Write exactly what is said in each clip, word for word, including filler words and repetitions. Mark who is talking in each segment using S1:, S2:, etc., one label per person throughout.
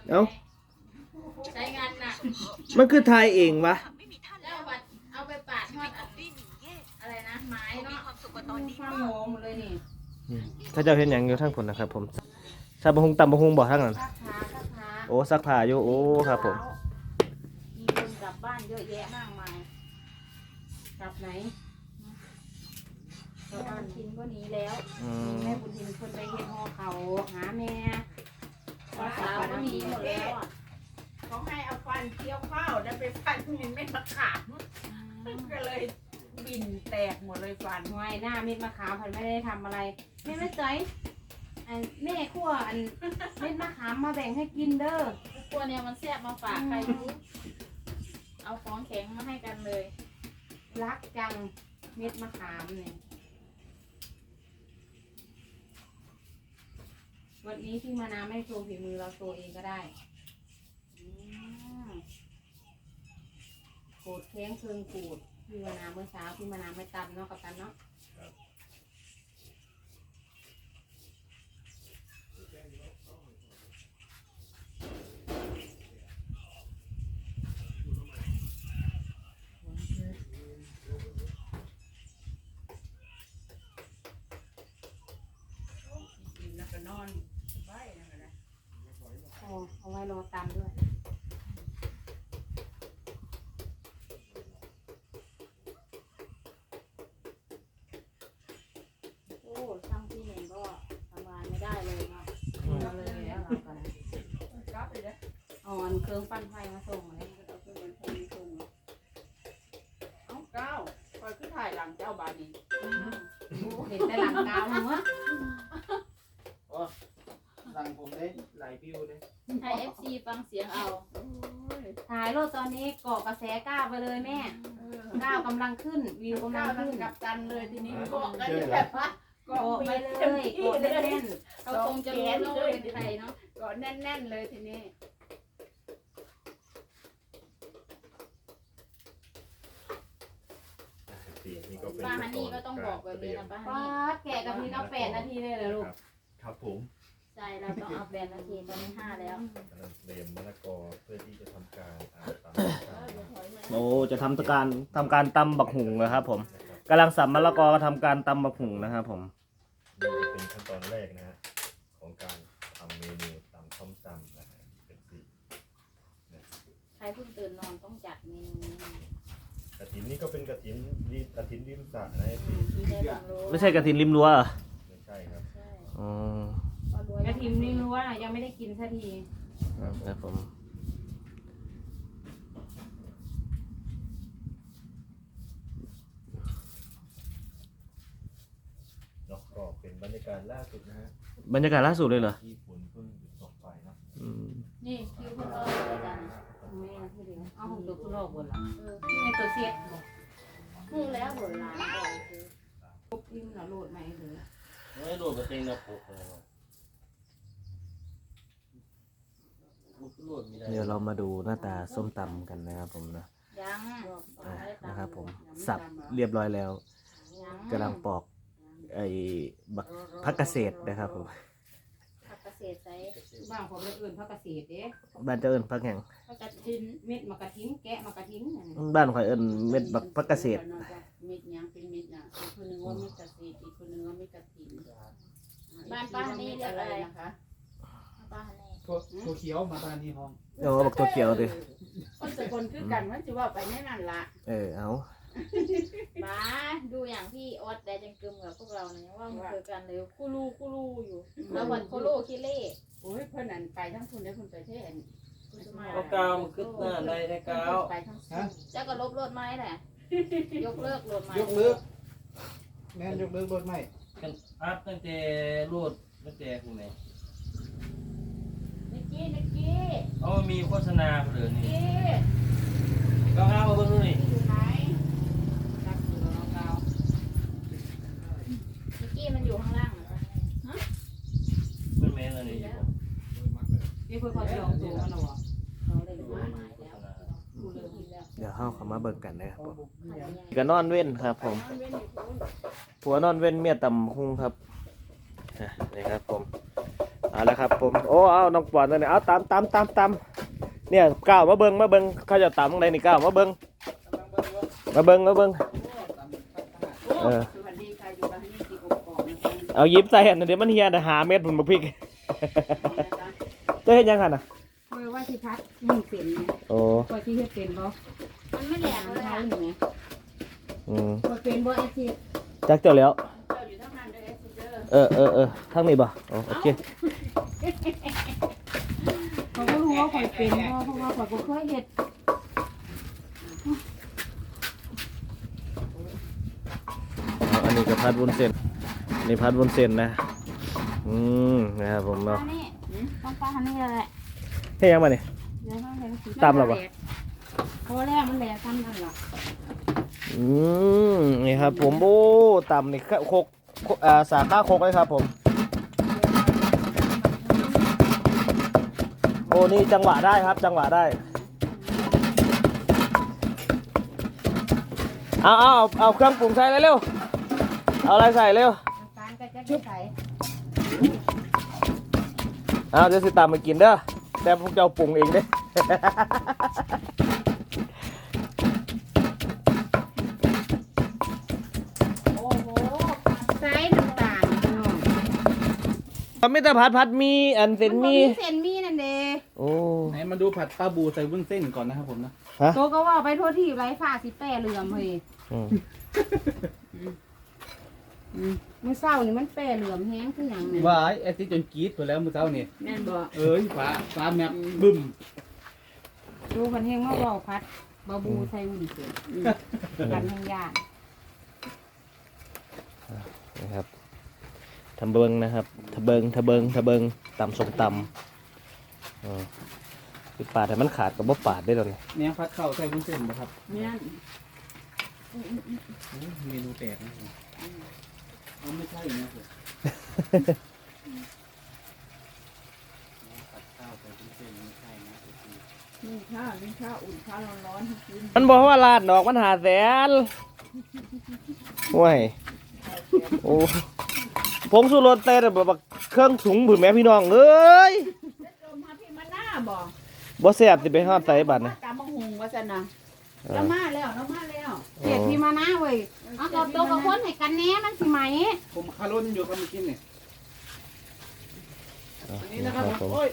S1: เอ้า
S2: ใช้งานหนัก
S1: มันคือทายเองวะ
S2: แล้วบัดเอาไปปาดทอดอันอะไรนะไม้เนาะ
S3: ข้าวโมงเลยนี่
S1: ถ้าเจ้าเห็นอย่างอยู่ทั้งผลนะครับผมซาบะฮุงตำบะฮุงบ่ทั้งนั้น
S3: ซักผ้าซักผ้า
S1: โอ้ซักผ้าอยู่โอ้ครับผม
S3: มีคนกลับบ้านเยอะแยะมากมายกลับไหนกลับ
S2: บ้า
S3: บ้าน น
S2: ทินก็หนีแล้ว
S1: อืม
S3: แม่บุญทินคนไปเฮ็ดห่อเขาหาแม่
S2: สาวก็หนีหมดแล้วอ่ะ
S4: เขาให้เอาฟันเคี้ยวข้าวแล้วไปฟันมันไม่มะขามก็เลยบินแตกหมดเลยฟัน
S3: หวยหน้าเม็ดมะขามพันไม่ได้ทำอะไรแม่ไม่ใจอยอันแม่ขั้วอันเม็ดมะขามมาแบ่งให้กินเด้อ
S2: พวกเนี้ยมันแซ่บมาฝากใครรู้เอาของแข็งมาให้กันเลย
S3: รักจังเม็ดมะขามเนี่ยวันนี้พี่มานาไม่โชว์ฝีมือเราโชว์เองก็ได้อืมโกดแข้งเคืองกูดพี่มานาเมื่อเช้าพี่มานาไม่ตำเนาะกับตันเนาะ
S4: กินแล้วก็นอนไว้นั่นแหละ
S3: เอาเอาไว้รอตำด้วยโอ้ช่างพี่เองก็ทำงานไม่ได้เลยเนาะเอาเลยแล้วเราก็นะ
S4: กลับไปเลย
S3: เอาอันเครื่องปั้นไฟมาส่งเลย
S4: เอาขึ้นบนพื้นขึ้นเอ้าก้าวคอยขึ้นถ่ายหลังเจ้าบานนี้
S3: เห็นแต่หลังกาวหัว
S5: สั่งผมได้หลายวิวเลย
S2: ให้เอฟซีฟังเสียงเอา
S3: ถ่ายรูปตอนนี้เกาะกระแสก้าวไปเลยแม่ก้าวกำลังขึ้นวิวกำลั
S4: ก้าง วนั่
S3: ขึ้
S4: ง
S3: น
S4: กับกันเลยทีนี้เกาะกันแบบว่าเกาะ
S3: เกาะไป
S4: ไป
S3: เล
S4: เลย ย
S3: เกาะแน่น
S2: เขาคงจะรู้แล้วว่าเป็นใครเนาะ
S4: เกาะแน่นๆเลยทีนี้
S6: นี่ก็เป็น
S2: ป้าฮันนี่ก็ต้องบอกแบบนี้นะป้า
S3: ๆ
S2: ฮัน
S3: ป้า
S2: นี่
S3: ดแกะกะทิเอาแปดนาทีเลยเหรอลูก
S6: ครับผม
S2: ใช่เราต้องเอาแบนนาทีตอนนี้ห้าแล้ว
S6: กำลังเตรียมมะละกอเพื่อที่จะทำการอ่าตำ
S1: โอ้จะทำการทำการตำบักหุงนะครับผมกำลังสับมะละกอทำการตำบักหุงนะครับผม
S6: นี่จะเป็นขั้นตอนแรกนะฮะของการทำเมนูตำส้มตำนะฮะเป็นสี
S2: ใครเพิ่งตื่นนอนต้องจัดเมนูนี้
S6: กระถินนี่ก็เป็นกระถินดีกระถินริมสระนะพี่
S2: ที่ได้บังรู้
S1: ไม่ใช่กระถินริมรั้วเหรอ
S6: ไม่ใช่ครับ
S2: ใช่
S1: อ๋อ
S2: ก็รวย
S3: กระทิมนี่รู้ว่ายังไม่ได้กินสักที
S1: ครับผม
S6: เนาะก็เป็นบรรยากาศล่าสุดนะฮะ
S1: บรรยากาศล่าสุดเลยเหรอ
S6: ที่ฝนเพิ่งหยุดตกไปเนาะ
S1: อืม
S2: นี่คิวคนรอเลยจ้ะ
S3: แม่ที่เดียวเอาของตัวคุณโลกบนละ
S2: เออ
S3: นี่ไงตัวเซ็ตบอก
S2: พูดแล้วหมดร้านก่อนคือ
S3: ปุ๊บยิ่งเราโหลดไหมหรือ
S5: ไม่โดดกระเตงนะปุ๊บเลยปุ๊บโหลดไม่ได้
S1: เดี๋ยวเรามาดูหน้าตาส้มตำกันนะครับผมนะ
S2: ยัง
S1: อ่ะนะครับผมสับเรียบร้อยแล้ว
S2: ยัง
S1: กำลังปอกไอ้บักผักเกษตรนะครับผม
S2: ผักเกษตรใส่
S3: บ้างผมเลยอื่นพักเกษตรเด้
S1: บ้านเจ้าเอิญผักแห่ง
S2: ผักกระถิน
S3: เม็ดมะกระทิ้งแกะมะกระทิ้งนั่นน่ะ
S1: บ้านข่อยเอิญเม็ดบักผักเกษตร
S4: เม็ดยังเป็นเม็ดอ่ะอีกคนนึงว่าเม็ดกระสีอีกคนนึงว่าเม็ดกระถิน
S2: บ้านป้าฮันนี่เรียกอะไร
S4: นะคะ
S2: ป้าฮันนี่
S5: ตัวตัวเขียวมาตานีห้อง
S1: โอ้บักตัวเขียวดิ
S4: คนสกลคือกันมันจะว่าไปแน่นั่นละ
S1: เออเอา
S2: บ้าดูอย่างพี่ออสแดจังกึมกับพวกเราเนี่ยว่ามันคือกันเลยคู่ลูคู่ลูอยู่แล้ววันโคโลคิเล่
S4: โอ้ยเพื่อนอันไปทั้งคุณได้คุณไปเทศ
S5: เอากาวมันขึ้นหน้าได้ได้กาว
S4: ไปทั้ง
S5: ฮะ
S2: เจ้าก็ลบรถไม้แหละยกเลิกรถไม้
S5: ยกเลิกแม่นยกเลิกรถไหมกันอัพตั้งแต่รูดตั้งแต่คุณไหน
S2: นิกกี้นิกกี้
S5: เอามีโฆษณาเหลือ
S2: นิก
S5: นี่
S2: กี้
S5: ก็เอามาเบิ่งดูนี่
S2: อยู่ไหน
S4: รักอยู่แล้วเรา
S2: นิกกี้มันอยู่ข้างล่างเหรอ
S5: เบิ่งแม่นเลยนี่อยู่
S3: นี่เพื่อเขาจะลองตัวกันหรอ
S2: เขาเลยรถไม้แล้วกูเลยกินแล้ว
S1: เดี๋ยวเข้าเขามาเบิ่งกันนะครับผม
S2: ขันใหญ่
S1: ก็นอนเว้นครับผม
S2: นอนเว้นอยู่ทุน
S1: ผัวนอนเว้นเมียตำหุงครับอ่ะนี่ครับผมเอาละครับผมโอ้เอาน้องปอนตัวนี้เอาตามตามตามตามเนี่ยก้าวมาเบิ้งมาเบิ้งเขาจะตามตรงไหนนี่ก้าวมาเบิ้งมาเบิ้งมาเบิ้งเออเอายิบใส่อันเดี๋ยวมันเฮียนะหาเม็ดผมมาพริกจะเห็นยังไงน่ะ
S3: เพราะว่าที่พัดมึงเป็นไง
S1: โอ้
S3: พอที่เฮ็ดเป็นบ่
S2: มันไม่แหลม
S3: ทาง
S2: เลย
S3: ไท
S2: อะ
S3: ยหนูไง
S1: อืม
S3: พอเป็นบ่ไอ้ที่
S1: จักเจ้าแล้ว
S2: เจ้าอยู่ทั้งนั้นด้วยเอสเจอร์
S1: เออเออเออทั้งนี้บ่อ๋อโอเค
S3: เขาก็รู้ว่าข่อยเป็นบ่เพราะว่าข่อยบ่เคยเฮ็ด
S1: เอาอันนี้ก็พัดวุ้นเส้นนี่พัดวุ้นเส้นนะอืมนะครับผม
S3: ปลา
S1: เนาะ
S3: นี่ต้องปลาอันนี้แหละ
S1: เฮ้ยยังมาเนี่ย
S3: เดี๋ยวให้แรงสิ
S1: ตำแล้วบ่
S3: เพราะแรกมันแหลกซ้ำนั่นล่ะ
S1: อืมนี่ครับผมโอ้ต่ำนี่โคกโคกอ่าสาขาโคกเลยครับผมโอ้นี่จังหวะได้ครับจังหวะได้เอาเอาเอาเอาเครื่องปรุงใส่เลยเร็วเอาอะไรใส่เร็ว
S3: น้ำตาลก็จะใส่
S1: เอาเดี๋ยวสิตามมากินเด้อแต่พวกเจ้าปรุงเองเด้
S3: โอ้โหใส่น้ำตาลพี่น้อง
S1: มันไม่แต่ผัดผัดมีอันเส้นมี
S3: เส้นมีนั่นเด้
S1: โอ้
S5: ไหนมาดูผัดปลาบูใส่วุ้นเส้นก่อนนะครับผมนะ
S3: โตก็ว่าไปทั่วที่ไรฟ้าสิแป้เหลื่อมเฮ้ย
S1: อืม
S3: มื้อเช้านี่มันแป้เหลื่อมแห้งคือหยังเนี่ย
S5: ว่าไอ้ที่จนกรี๊ดไปแล้วเมื่อเช้านี่
S3: แม่นบ่
S5: เอ้ยฟ้าฟ้าแมบบึ้ม
S3: ดูคันแห้งมาเว้าพัดบาบูใส่หุ่นเสียกันแห้งยาก
S1: นะครับทำเบิงนะครับทะเบิงทะเบิงทะเบิงตำส้มตำอืมคือปาดให้มันขาดกับบ่ปาดได้ตอนนี้
S5: เนี่ยผัดข้าวใส่วุ้นเส้นนะครับ
S3: แม่น
S5: โอ้เมนูแปลกนะครับเอาไม่ใช่นะผมผัดข้าวใส่วุ้นเส้นไม่ใช่นะ
S4: นี่ข้าวนี่ข้าวอุ่นข้าวร้อนๆให้กิน
S1: มันบอกว่าลาดดอกมันหาแสนโอ้ยโอ้ผงสูรสเต้แบบเครื่องถุงผืนแม่พี่น้องเอ้ย
S4: เจ้ามาพี่มาหน้าบ่
S1: บ่แซ่บสิไปฮอดใส่บัดนะ
S4: ตามมะฮุงว่าซั่นน่ะเรามาแล้วเรามาแล้ว
S3: เสียพี่มานะเว้ยเอากับโตกับคนให้กันแหน่มันสิไหม
S5: ผมคารุนอยู่ครับเมื่อกี้เนี่ย อันนี้นะครับ
S1: ผม
S5: โอ้ย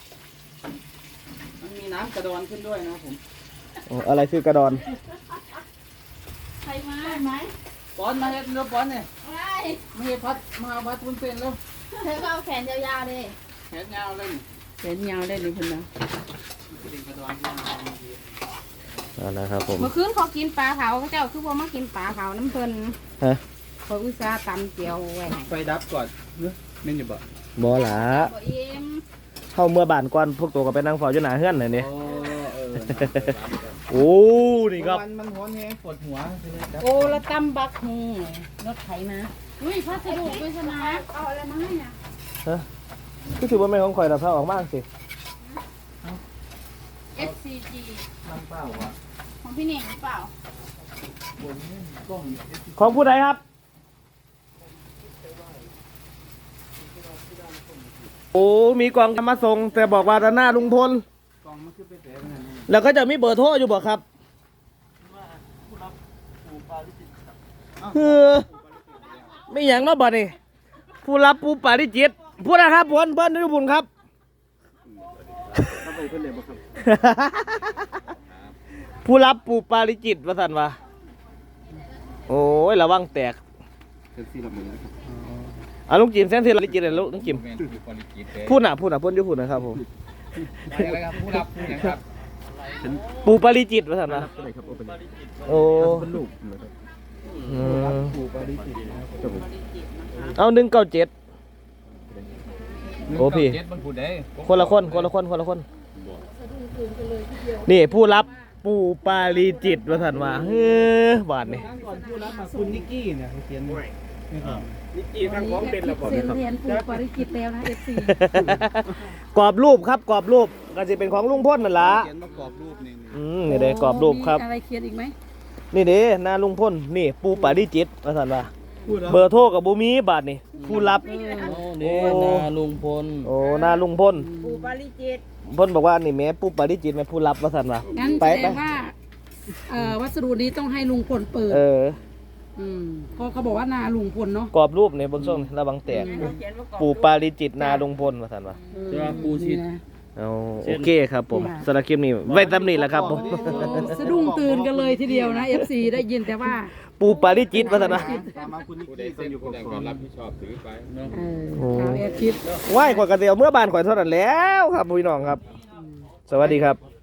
S5: มันมีน้ำกระดอนขึ้นด้วยนะครับผม
S1: โอ้อะไรคือกระดอน
S2: ใครมา
S4: ไหม
S5: ป้อนมาเฮ็ดเนื้อป้อนเนี่ย
S2: ไอ้
S5: ไม่ให้พัดมาพัดวุ้นเส้นแล้ว
S2: เธอก็เอาแขนยาวๆเลย
S5: แขนยาวเลยนี่
S4: เห็นยาวได้เลยคุณนะ
S5: เป็นกระดอนที่มาเมื่อกี้
S1: เอานะครับผม
S3: เมื่อคืนเขากินปลาเผาเขาเจ้าคือบ่มากินปลาเผาน้ำเพิ่น
S1: ฮะ
S3: เขาอุตส่าห์ตำเจียวไว้ให้
S5: ไฟดับก่อนเนื้อเม่นอยู่บ่
S1: บ่หลา
S2: บ่อิ่ม
S1: เข้าเมื่อบานก่อนพวกตัวก็ไปนั่งเฝ้าอยู่หน้าเฮือนน่ะนี่
S5: โอ้เออ
S1: โอ้นี่ครับ
S5: มันมันหัวแห้งปวดหัวไปเลยครับ
S3: โอ้ละตำบักฮุงรถไถมา
S2: อุ้ยพัสดุด้วยใช่ไหม
S4: เอาอะไรมาให้น่ะ
S1: คือถือว่าไม่ของข่อยดับเท่าออกมากสิ
S2: เอฟซีจี
S5: น้ำเปล่าอ่ะ
S2: ของพี่เน่งหรือเปล่า
S5: บนกล้อง
S1: ของผู้ใดครับ โอ้ มีกล่องมาส่ง แต่บอกว่าด้านหน้าลุงพล
S5: กล้องมันคือไปแผลขนาดนั้น
S1: แล้วก็จะมีเบอร์โทรอยู่บอกครับคือไม่อย่างเนาะบ่นี่ผู้รับปูปาริจิตพูดนะครับพลเพิ่นทุกบุญครับ
S5: ถ้าไปเพื่อนเลยบ่ครับ
S1: ผู้รับปูปาริจิตว่าสันวะโอ้ยระวังแตก
S5: เป็นสี่ละหมื่นนะครับ
S1: เอาลุงจิมเส้นที่ปาริจิตเลยลุงจิม
S5: แม่นคือควอลิตี้เด้
S1: พูดหน่ะพูดหน่ะพูดอยู่พูดนะครับผม
S5: อะไรครับผู้รับผู้หยังครับ
S1: ปูปาริจิตว่าสันวะ
S5: อะไรครับโอเป็น
S1: โอ้
S5: เป็นลูกนะครับ
S1: อืม
S5: ปูปาริจิตนะครับผม
S1: เอาหนึ่งเก้าเจ็ด โอ้พี่
S5: เจ็ดมันพูดได้
S1: คนละคนคนละคนคนละคน นี่ผู้รับปูปาริจิตว่าสันวะเฮ้อบาทนี่
S5: ครั้งก่อนผู้รับมาคุณนิกกี้เนี่ยเขาเขียนไว้นี่ครับ
S1: นิกกี้ทางของเป็นแล้ว
S3: เสียนเรียนปูปริกิตแล้วนะ เอฟ ซี
S1: กรอบรูปครับกรอบรูปก็จะเป็นของลุงพ่นนั่นละ
S5: เขียนมากรอบรูปนี่
S1: อืมนี่เด้กรอบรูปครับ
S3: มีอะไรเขียนอีกไหม
S1: นี่เด้หน้าลุงพ่นนี่ปูปาริจิตว่าสันวะ
S3: อ
S1: เบอร์โทรกับบ่มีบาดนี่ผู้รับ
S5: โอ้นี่นาลุงพล
S1: โอ้หน้าลุงพล
S4: ปูปาริจิต
S1: เพิ่นบอกว่านี่แม่ปุ๊บปาริจิตแม่ผู้รับว่าซั่นว่า
S7: งั้น
S1: ไป
S7: แสด
S1: ไป
S7: งว่าเอ่อวัสดุนี้ต้องให้ลุงพลเปิด
S1: เออ
S7: อืมเพราะเขาบอกว่านาลุงพลเนาะ
S1: กรอบรูปนี่เบิ่งส่งระวังแตก
S4: เขาเขียนว่ากรอบ
S1: ปู่ปาริจิตนาลุงพลว่าซั่นว่า
S5: จะว่าปูชิด
S7: นี่นะ
S1: เอาโอเคครับผมสำหรับคลิปนี้ไว้ตำนี้แหละครับผม
S7: สะดุ้งตื่นกันเลยทีเดียวนะ เอฟ ซี ได้ยินแต่ว่า
S1: ปู่ปาริจิตว่าซั่นว่า
S5: ตามมาคุณนิกกี้ต้องอยู่กับผมรับผิดชอบถือไปเนาะ
S7: เออเอาแอร์คิด
S1: ไหว้ข่อยก็สิเอาเมื่อบ้านข่อยเท่านั้นแล้วครับพี่น้องครับ สวัสดีครับ